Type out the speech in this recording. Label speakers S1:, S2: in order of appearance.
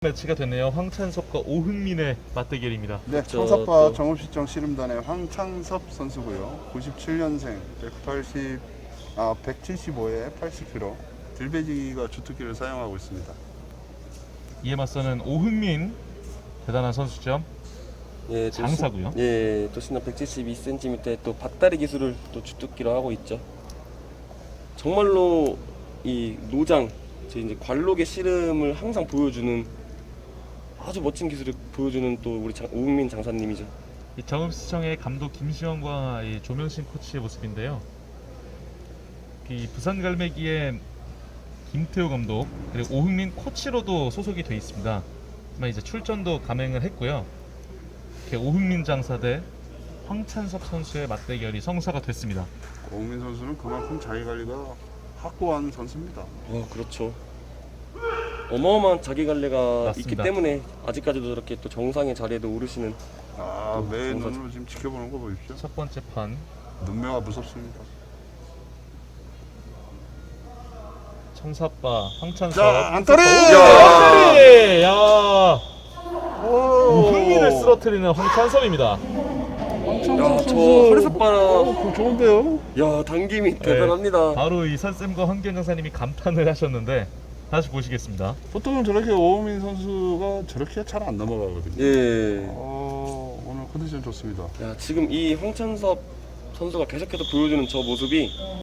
S1: 매치가 됐네요. 황찬섭과 오흥민의 맞대결입니다.
S2: 네,
S3: 그렇죠,
S2: 청사파
S3: 또.
S2: 정읍시청 씨름단의 황창섭 선수고요. 97년생, 175에 80kg. 들배지기가 주특기를 사용하고 있습니다.
S1: 이에 맞서는 오흥민, 대단한 선수죠.
S3: 예,
S1: 장사고요.
S3: 예, 또시나 172cm의 또 밭다리 기술을 또 주특기로 하고 있죠. 정말로 이 노장, 이제 관록의 씨름을 항상 보여주는 아주 멋진 기술을 보여주는 또 우리 오흥민 장사님이죠.
S1: 이 정읍시청의 감독 김시원과 이 조명신 코치의 모습인데요. 이 부산 갈매기의 김태호 감독 그리고 오흥민 코치로도 소속이 돼 있습니다. 하지만 이제 출전도 감행을 했고요. 이렇게 오흥민 장사 대 황찬섭 선수의 맞대결이 성사가 됐습니다.
S2: 오흥민 선수는 그만큼 자기 관리가 확고한 선수입니다.
S3: 그렇죠. 어마어마한 자기 관리가
S1: 맞습니다.
S3: 있기 때문에 아직까지도 저렇게 또 정상의 자리에도 오르시는.
S2: 매
S3: 장사.
S2: 눈으로 지금 지켜보는 거 보십시오.
S1: 첫 번째 판
S2: 눈매가 무섭습니다.
S1: 청사빠 황찬섭.
S2: 자, 안타리!
S1: 안타리! 야! 오흥민을 쓰러뜨리는 황찬섭입니다.
S3: 야, 저 허리삿바라.
S2: 그거 좋은데요?
S3: 야, 당김이 대단합니다.
S1: 바로 이 선쌤과 황기현 장사님이 감탄을 하셨는데 다시 보시겠습니다.
S2: 보통은 저렇게 오흥민 선수가 저렇게 잘 안 넘어가거든요.
S3: 예.
S2: 오늘 컨디션 좋습니다.
S3: 야, 지금 이 황찬섭 선수가 계속해서 보여주는 저 모습이